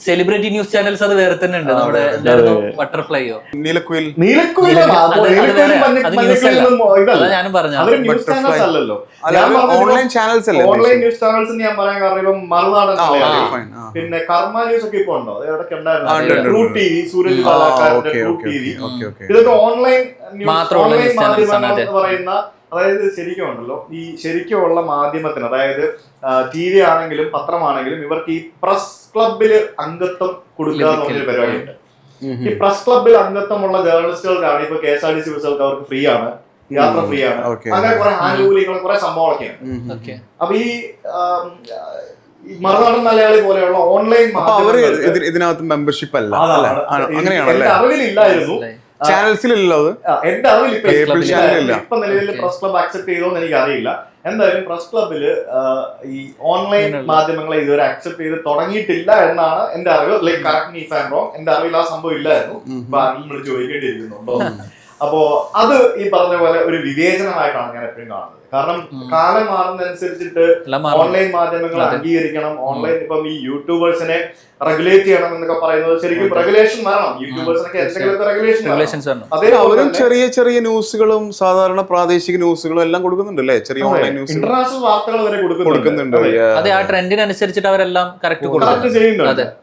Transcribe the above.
Celebrity news channels അത് വേറെ തന്നെ ഉണ്ട്. നമ്മുടെ ബട്ടർഫ്ലൈയോ നീലക്കുയിൽ ഞാനും പറഞ്ഞു. ഓൺലൈൻ ചാനൽസ് അല്ലേ? ഓൺലൈൻ ന്യൂസ് ചാനൽസ് ഞാൻ പറയാൻ കാരണം ഇപ്പം മറുനാടൻ, പിന്നെ കർമ്മ ന്യൂസ് ഒക്കെ ഇപ്പൊ ഉണ്ടോ? അതൊക്കെ ഉണ്ടായിരുന്നു. ട്രൂ ടിവി, സൂരജ് ബാലാക്കാരന്റെ ട്രൂ ടിവി, ഇതൊക്കെ ഓൺലൈൻ ഓൺലൈൻ മാധ്യമങ്ങൾ എന്ന് പറയുന്ന, അതായത് ശരിക്കും ഉണ്ടല്ലോ ഈ ശരിക്കുമുള്ള മാധ്യമത്തിന്, അതായത് ടി വി ആണെങ്കിലും പത്രമാണെങ്കിലും ഇവർക്ക് ഈ പ്രസ് ക്ലബില് അംഗത്വം കൊടുക്കുക എന്നൊരു പരിപാടിയുണ്ട്. ഈ പ്രസ് ക്ലബിൽ അംഗത്വമുള്ള ജേർണലിസ്റ്റുകൾക്കാണ് ഇപ്പൊ KSRTC ബസ്സുകൾക്ക് അവർക്ക് ഫ്രീ ആണ്, യാത്ര ഫ്രീ ആണ്, അങ്ങനെ കുറെ ആനുകൂല്യങ്ങൾ, കുറെ സംഭവങ്ങളൊക്കെയാണ്. അപ്പൊ ഈ മറുനാടൻ മലയാളി പോലെയുള്ള ഓൺലൈൻ ഇതിനകത്ത് മെമ്പർഷിപ്പ് അല്ല, എന്റെ അറിവിലില്ലായിരുന്നു, ചാനൽസിലല്ലോ അത്. എന്റെ അറിവിൽ ഇപ്പൊ നിലവിൽ പ്രസ് ക്ലബ് അക്സെപ്റ്റ് ചെയ്തോന്ന് എനിക്ക് അറിയില്ല. എന്തായാലും പ്രസ് ക്ലബില് ഈ ഓൺലൈൻ മാധ്യമങ്ങളെ ഇതുവരെ അക്സെപ്റ്റ് ചെയ്ത് തുടങ്ങിയിട്ടില്ല എന്നാണ് എന്റെ അറിവ്. Like correct me if I am wrong. എന്റെ അറിവിൽ ആ സംഭവം ഇല്ലായിരുന്നു. ആരെങ്കിലും ചോദിക്കേണ്ടിയിരിക്കുന്നുണ്ടോ? അപ്പോ അത് ഈ പറഞ്ഞ പോലെ ഒരു വിവേചനമായിട്ടാണ് ഞാൻ എപ്പോഴും കാണുന്നത്. കാരണം കാലം മാറുന്നതനുസരിച്ചിട്ട് ഓൺലൈൻ മാധ്യമങ്ങൾ അംഗീകരിക്കണം. ഓൺലൈൻ ഇപ്പം ഈ യൂട്യൂബേഴ്സിനെ റെഗുലേറ്റ് ചെയ്യണം എന്നൊക്കെ പറയുന്നത് ശരിക്കും റെഗുലേഷൻ വരണം. യൂട്യൂബേഴ്സിനൊക്കെ എന്തെങ്കിലുമൊക്കെ റെഗുലേഷൻ. അവരും ചെറിയ ചെറിയ ന്യൂസുകളും സാധാരണ പ്രാദേശിക ന്യൂസുകളും എല്ലാം കൊടുക്കുന്നുണ്ട് അല്ലേ? ചെറിയ ഓൺലൈൻ ന്യൂസ്, ഇന്റർനാഷണൽ വാർത്തകൾ വരെ കൊടുക്കുന്നുണ്ട്. അതെ, ആ ട്രെൻഡിനനുസരിച്ചിട്ട് അവരെല്ലാം കറക്റ്റ് ചെയ്യുന്നുണ്ട്.